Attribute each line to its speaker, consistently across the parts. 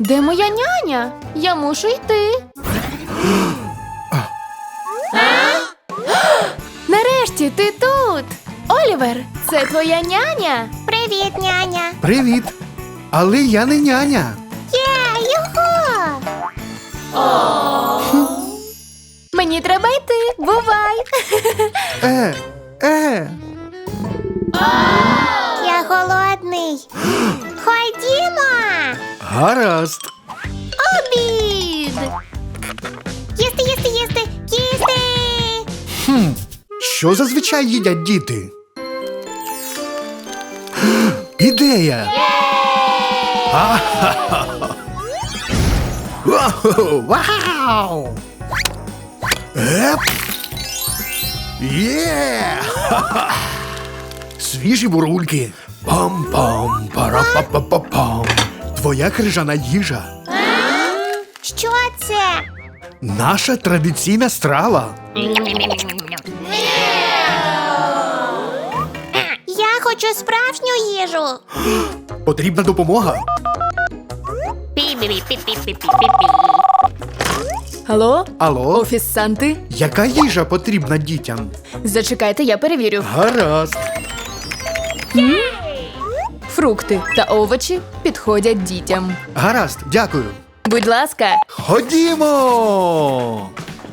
Speaker 1: Де моя няня? Я мушу йти. Нарешті ти тут! Олівер, це твоя няня?
Speaker 2: Привіт, няня.
Speaker 3: Привіт. Але я не няня.
Speaker 2: Юху!
Speaker 1: Мені треба йти. Бувай!
Speaker 2: Я голодний. Ходімо!
Speaker 3: Гаразд.
Speaker 1: Обід!
Speaker 2: Їсти, їсти, їсти, їсти!
Speaker 3: Що зазвичай їдять діти? Ідея! Вау! Еп! Є! Свіжі бурульки. Пам-пам, пара-па-па-па-пам. Твоя крижана їжа.
Speaker 2: Що це?
Speaker 3: Наша традиційна страва.
Speaker 2: Я хочу справжню їжу.
Speaker 3: Потрібна допомога.
Speaker 1: Алло?
Speaker 3: Алло?
Speaker 1: Офіс Санти?
Speaker 3: Яка їжа потрібна дітям?
Speaker 1: Зачекайте, я перевірю.
Speaker 3: Гаразд.
Speaker 1: Фрукти та овочі підходять дітям.
Speaker 3: Гаразд, дякую.
Speaker 1: Будь ласка.
Speaker 3: Ходімо!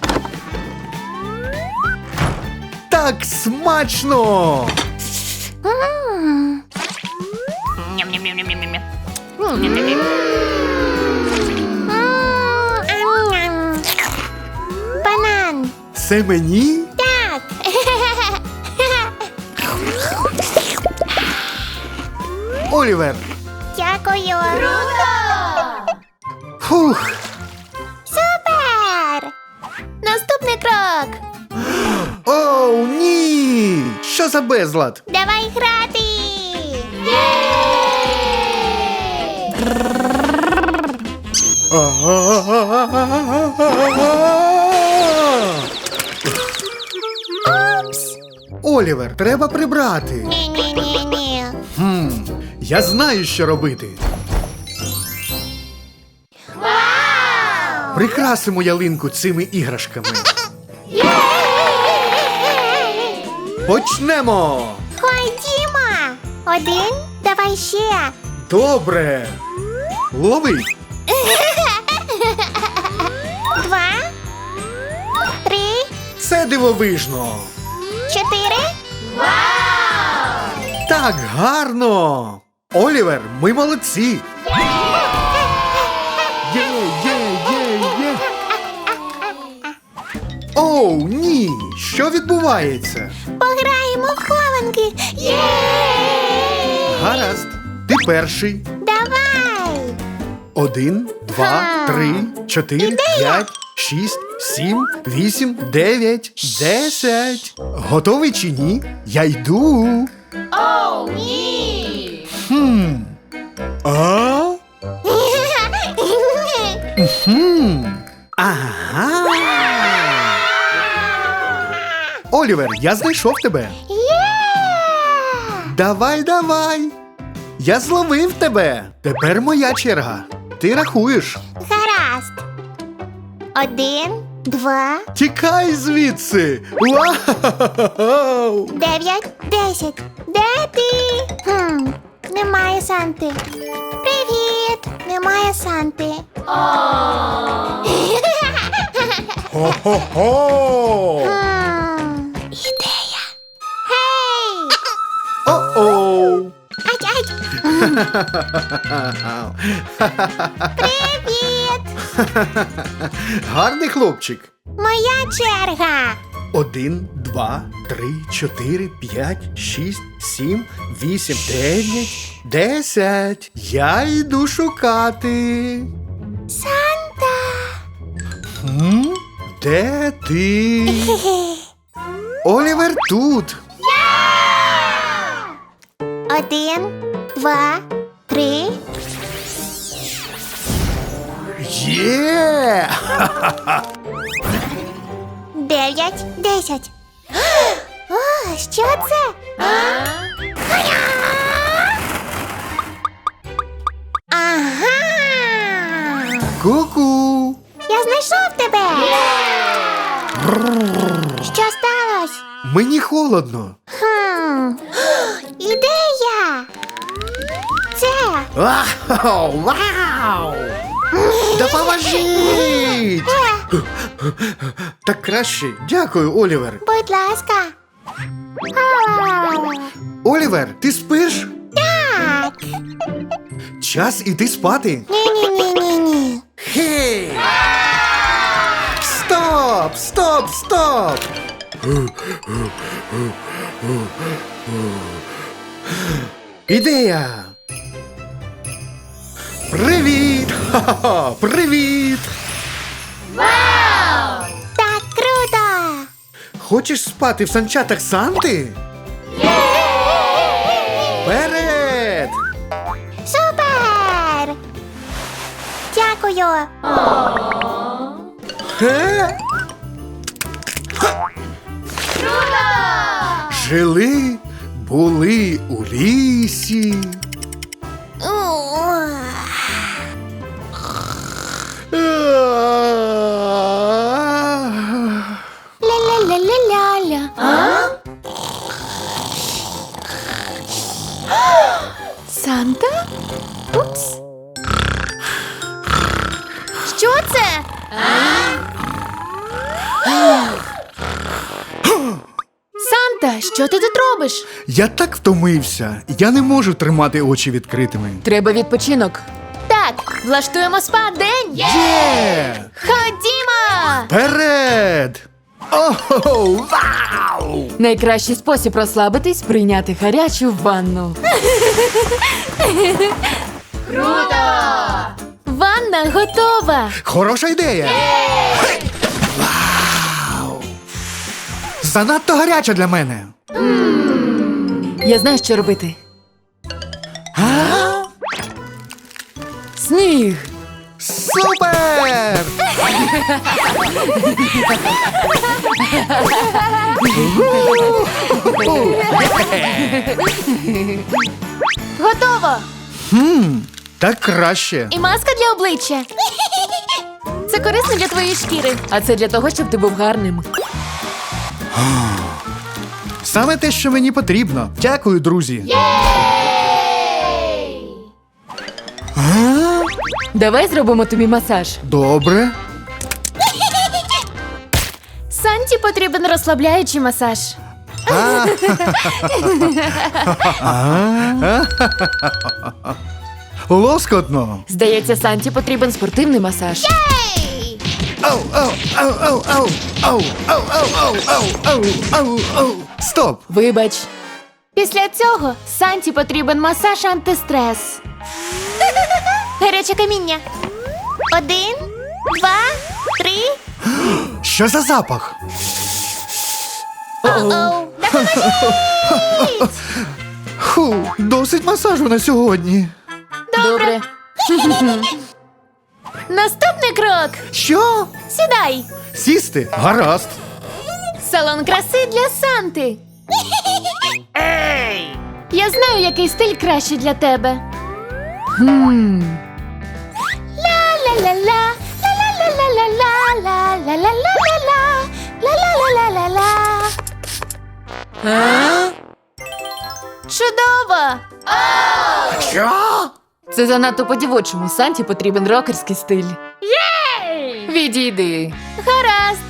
Speaker 3: Так смачно!
Speaker 2: Ам-ням. Банан.
Speaker 3: Це мені?
Speaker 2: Так.
Speaker 3: Олівер!
Speaker 2: Дякую. Круто!
Speaker 3: Фух!
Speaker 2: Супер! Наступний крок.
Speaker 3: Оу, ні! Що за безлад?
Speaker 2: Давай грати. Упс.
Speaker 3: Олівер, треба прибрати.
Speaker 2: Ні-ні-ні-ні.
Speaker 3: Я знаю, що робити. Прикрасимо ялинку цими іграшками. Почнемо!
Speaker 2: Ходімо. Один. Давай ще.
Speaker 3: Добре! Лови!
Speaker 2: 2, 3,
Speaker 3: Це дивовижно!
Speaker 2: 4.
Speaker 3: Так гарно! Олівер, ми молодці! Є, є, є, є! Оу, ні! Що відбувається?
Speaker 2: Пограємо в хованки. Є!
Speaker 3: Гаразд, ти перший.
Speaker 2: Давай.
Speaker 3: 1, 2, 3, 4, 5, 6, 7, 8, 9, 10. Готовий чи ні? Я йду.
Speaker 1: Оу, ні!
Speaker 3: А? Ага. Олівер, я знайшов тебе. Давай, давай. Я зловив тебе. Тепер моя черга. Ти рахуєш.
Speaker 2: Гаразд. 1, 2,
Speaker 3: Тікай звідси. Вау!
Speaker 2: 9, 10. Де ти? Немає Санти. Привіт. Немає Санти.
Speaker 3: Хо-хо-хо!
Speaker 2: Ідея. Гей!
Speaker 3: О-оу!
Speaker 2: Ай-ай! Привіт!
Speaker 3: Гарний хлопчик.
Speaker 2: Моя черга.
Speaker 3: 1, 2, 3, 4, 5, 6, 7, 8, 9, 10. Я йду шукати.
Speaker 2: Санта.
Speaker 3: Де ти? Олівер тут.
Speaker 2: 1, 2, 3.
Speaker 3: Є!
Speaker 2: 9, 10. О, що це? Ага!
Speaker 3: Мені холодно.
Speaker 2: Ідея! Це
Speaker 3: Вау! Вау! Допоможіть! Так краще. Дякую, Олівер.
Speaker 2: будь ласка.
Speaker 3: Олівер, ти спиш?
Speaker 2: Так.
Speaker 3: Час іти спати.
Speaker 2: Ні-ні-ні-ні-ні.
Speaker 3: Хей! Стоп! Стоп! Стоп! Ідея! Привіт! Ха-ха-ха! Привіт!
Speaker 2: Так круто!
Speaker 3: Хочеш спати в санчатах Санти? Вперед!
Speaker 2: Супер! Дякую.
Speaker 3: Ге? Жили, були у лісі.
Speaker 1: Ля-ля-ля-ля-ля-ля. Санта? Упс. Що це? Санта, що ти тут робиш?
Speaker 3: Я так втомився. Я не можу тримати очі відкритими.
Speaker 4: Треба відпочинок.
Speaker 1: Так, влаштуємо спа-день.
Speaker 3: Є!
Speaker 1: Ходімо!
Speaker 3: Вперед! Ого! Вау!
Speaker 4: Найкращий спосіб розслабитись – прийняти гарячу ванну.
Speaker 1: Ванна готова.
Speaker 3: Хороша ідея! Вау! Занадто гаряча для мене.
Speaker 4: Я знаю, що робити. Сніг!
Speaker 3: Супер!
Speaker 1: Готово.
Speaker 3: Так краще.
Speaker 1: І маска для обличчя. Це корисно для твоєї шкіри.
Speaker 4: А це для того, щоб ти був гарним.
Speaker 3: Саме те, що мені потрібно. Дякую, друзі.
Speaker 4: Давай зробимо тобі масаж.
Speaker 3: Добре.
Speaker 1: Санті потрібен розслабляючий масаж.
Speaker 3: Лоскотно.
Speaker 4: Здається, Санті потрібен спортивний масаж.
Speaker 3: Ау, ау, ау, ау, ау, ау, ау, ау, ау, ау, ау, ау. Стоп.
Speaker 4: Вибач.
Speaker 1: Після цього Санті потрібен масаж антистрес. Гаряче каміння.
Speaker 2: 1, 2, 3.
Speaker 3: Що за запах?
Speaker 2: Оу.
Speaker 3: Ху, досить масажу на сьогодні.
Speaker 4: Добре.
Speaker 1: Наступний крок.
Speaker 3: Що?
Speaker 1: Сідай.
Speaker 3: Сісти? Гаразд.
Speaker 1: Салон краси для Санти. Я знаю, який стиль краще для тебе. Ла-ла-ла-ла, ла-ла-ла-ла-ла, ла-ла-ла-ла-ла, ла-ла-ла-ла-ла. Чудово!
Speaker 3: Що?
Speaker 4: Це занадто по-дівочому. Санті потрібен рокерський стиль. Відійди.
Speaker 1: Гаразд.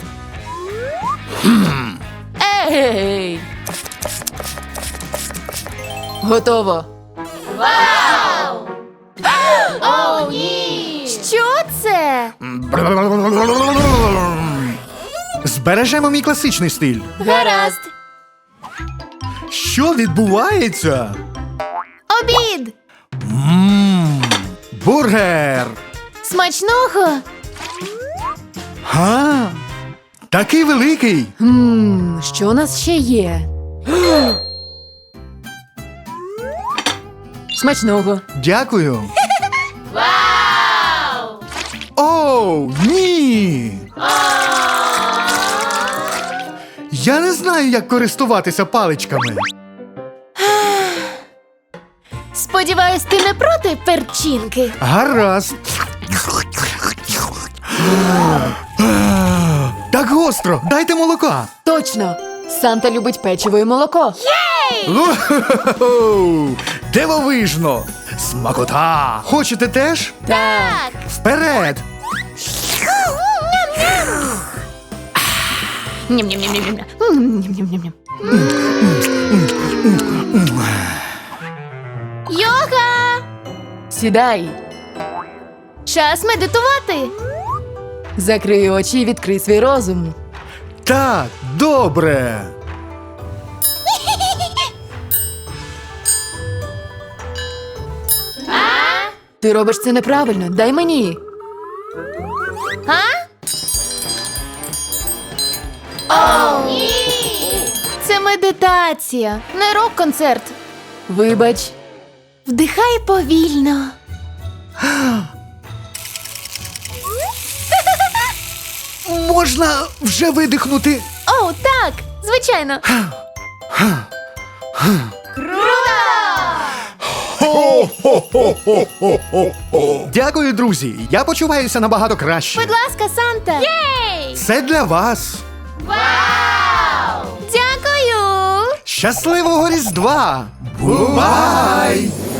Speaker 4: Ей! Готово.
Speaker 1: Що це?
Speaker 3: Збережемо мій класичний стиль.
Speaker 1: Гаразд.
Speaker 3: Що відбувається?
Speaker 1: Обід.
Speaker 3: Бургер.
Speaker 1: Смачного.
Speaker 3: Га? Такий великий.
Speaker 4: Що у нас ще є? Смачного.
Speaker 3: Дякую. Вау! Оу, ні! Я не знаю, як користуватися паличками.
Speaker 1: Сподіваюсь, ти не проти перчинки.
Speaker 3: Гаразд. Так гостро, дайте молока.
Speaker 4: Точно. Санта любить печиво і молоко.
Speaker 3: Уху! Дивовижно! Смакота! Хочете теж?
Speaker 4: Так.
Speaker 3: Вперед!
Speaker 4: Ням-ням-ням-ням-ням. Ням-ням-ням-ням.
Speaker 1: Йога!
Speaker 4: Сідай.
Speaker 1: Час медитувати.
Speaker 4: Закрий очі і відкрий свій розум.
Speaker 3: Так, добре.
Speaker 4: Ти робиш це неправильно. Дай мені.
Speaker 1: Це медитація, не рок-концерт.
Speaker 4: Вибач.
Speaker 1: Вдихай повільно.
Speaker 3: Можна вже видихнути.
Speaker 1: О, так, звичайно.
Speaker 3: Дякую, друзі. Я почуваюся набагато краще.
Speaker 1: Будь ласка, Санта. Єй!
Speaker 3: Це для вас.
Speaker 1: Дякую!
Speaker 3: Щасливого Різдва! Бувай!